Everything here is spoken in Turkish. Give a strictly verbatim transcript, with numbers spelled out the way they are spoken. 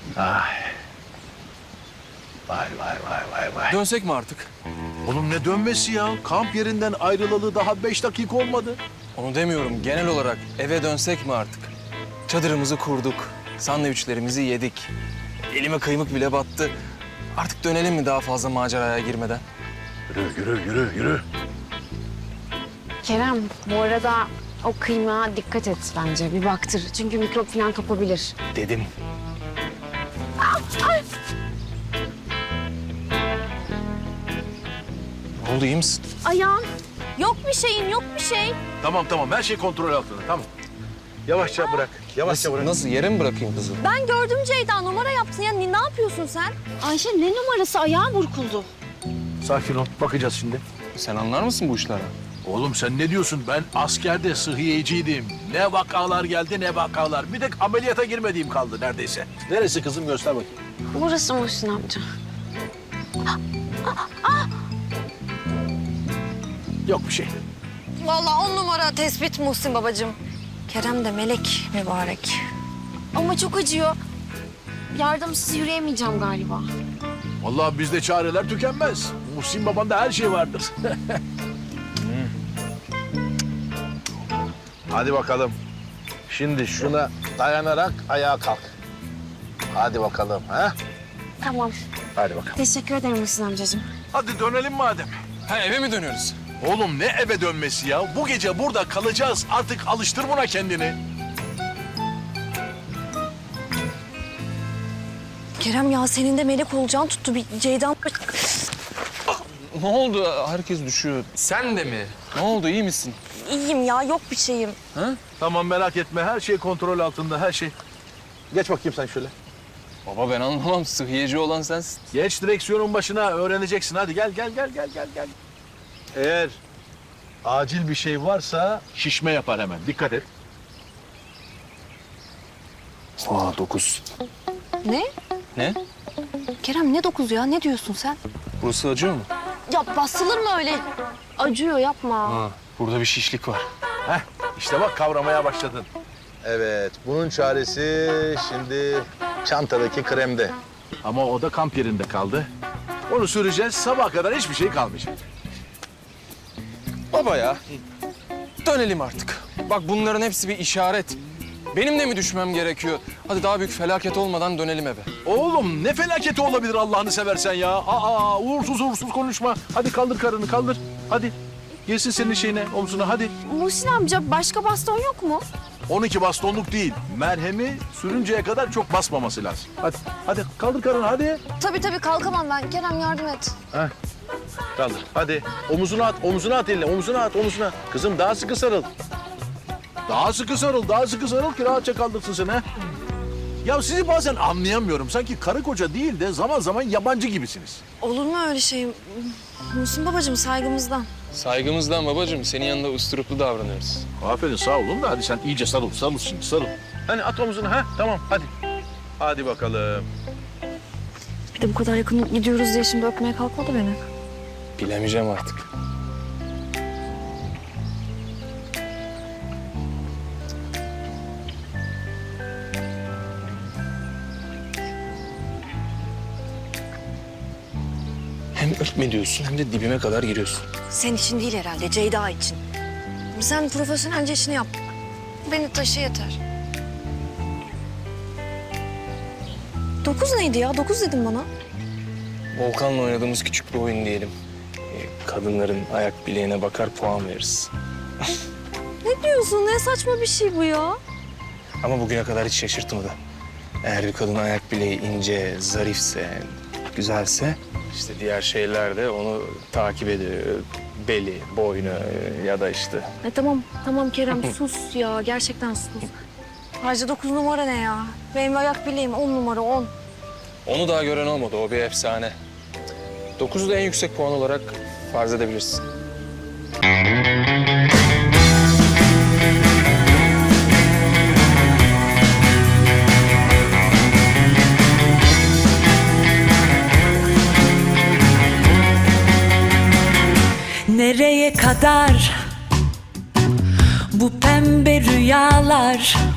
Ay. Vay vay vay vay vay. Dönsek mi artık? Oğlum ne dönmesi ya? Kamp yerinden ayrılalı daha beş dakika olmadı. Onu demiyorum. Genel olarak eve dönsek mi artık? Çadırımızı kurduk. Sandviçlerimizi yedik. Elime kıymık bile battı. Artık dönelim mi daha fazla maceraya girmeden? Yürü yürü yürü yürü. Kerem, bu arada o kıymağa dikkat et bence. Bir baktır. Çünkü mikrop falan kapabilir. Dedim. Ne oldu, iyi misin? Ayağım. Yok bir şeyin, yok bir şey. Tamam tamam her şey kontrol altında tamam. Yavaşça bırak. Yavaşça Nasıl, bırak. nasıl? Yere mi bırakayım kızı? Ben gördüm Ceyda, numara yaptın ya. Ne, ne yapıyorsun sen? Ayşe ne numarası? Ayağım burkuldu. Sakin ol. Bakacağız şimdi. Sen anlar mısın bu işlerden? Oğlum sen ne diyorsun? Ben askerde sıhhiyeciydim. Ne vakalar geldi ne vakalar. Bir tek ameliyata girmediğim kaldı neredeyse. Neresi kızım göster bakayım. Burası Muhsin amca. Yok bir şey. Vallahi on numara tespit Muhsin babacığım. Kerem de melek mübarek. Ama çok acıyor. Yardımsız yürüyemeyeceğim galiba. Vallahi bizde çareler tükenmez. Muhsin babanda her şey vardır. Hadi bakalım. Şimdi şuna dayanarak ayağa kalk. Hadi bakalım ha? Tamam. Hadi bakalım. Teşekkür ederim Muhsin amcacığım. Hadi dönelim madem. Ha, eve mi dönüyoruz? Oğlum ne eve dönmesi ya? Bu gece burada kalacağız. Artık alıştır buna kendini. Kerem ya senin de melek olacağın tuttu. Bir Ceyda... Ne oldu? Herkes düşüyor. Sen de mi? Ne oldu? İyi misin? İyiyim ya, yok bir şeyim. Ha? Tamam merak etme. Her şey kontrol altında. Her şey. Geç bakayım sen şöyle. Baba ben anlamam. Sıhhiyeci olan sensin. Geç direksiyonun başına öğreneceksin. Hadi gel gel gel gel gel gel. Eğer acil bir şey varsa şişme yapar hemen. Dikkat et. Aa dokuz. Ne? Ne? Kerem ne dokuz ya? Ne diyorsun sen? Burası acıyor mu? Ya basılır mı öyle? Acıyor, yapma. Ha, burada bir şişlik var. Heh, işte bak kavramaya başladın. Evet, bunun çaresi şimdi çantadaki kremde. Ama o da kamp yerinde kaldı. Onu süreceğiz, sabaha kadar hiçbir şey kalmayacak. Baba ya. Dönelim artık. Bak bunların hepsi bir işaret. Benim de mi düşmem gerekiyor? Hadi daha büyük felaket olmadan dönelim eve. Oğlum ne felaketi olabilir Allah'ını seversen ya. Aa, uğursuz uğursuz konuşma. Hadi kaldır karını, kaldır. Hadi. Gelsin senin şeyine, omzuna, hadi. Muhsin amca başka baston yok mu? on iki bastonluk değil. Merhemi sürünceye kadar çok basmaması lazım. Hadi, hadi kaldır karını, hadi. Tabii tabii kalkamam ben. Kerem yardım et. Heh. Kaldır, hadi. Omuzuna at, omuzuna at eline, omuzuna at, omuzuna. Kızım daha sıkı sarıl. Daha sıkı sarıl, daha sıkı sarıl ki rahatça kaldırsın seni. He? Ya sizi bazen anlayamıyorum. Sanki karı koca değil de zaman zaman yabancı gibisiniz. Olur mu öyle şey? Muhsin babacığım saygımızdan. Saygımızdan babacığım. Senin yanında usturuplu davranıyoruz. Aferin sağ olun da hadi sen iyice sarıl, sarıl şimdi sarıl. Hani at omuzuna, ha tamam hadi. Hadi bakalım. Bir de bu kadar yakın gidiyoruz diye şimdi öpmeye kalkmadı beni. Bilemeyeceğim artık. Hem öpme diyorsun hem de dibime kadar giriyorsun. Senin için değil herhalde, Ceyda için. Sen profesyonelce işini yap. Beni taşı yeter. Dokuz neydi ya? Dokuz dedim bana. Volkan'la oynadığımız küçük bir oyun diyelim. Ee, Kadınların ayak bileğine bakar puan veririz. Ne diyorsun? Ne saçma bir şey bu ya? Ama bugüne kadar hiç şaşırtmadı. Eğer bir kadın ayak bileği ince, zarifse, güzelse... işte diğer şeyler de onu takip ediyor. Beli, boynu ya da işte... E, tamam, tamam Kerem sus ya. Gerçekten sus. Ayrıca dokuz numara ne ya? Benim ayak bileğim on numara, on. Onu daha gören olmadı, o bir efsane. Dokuzu da en yüksek puan olarak farz edebilirsin. Nereye kadar bu pembe rüyalar?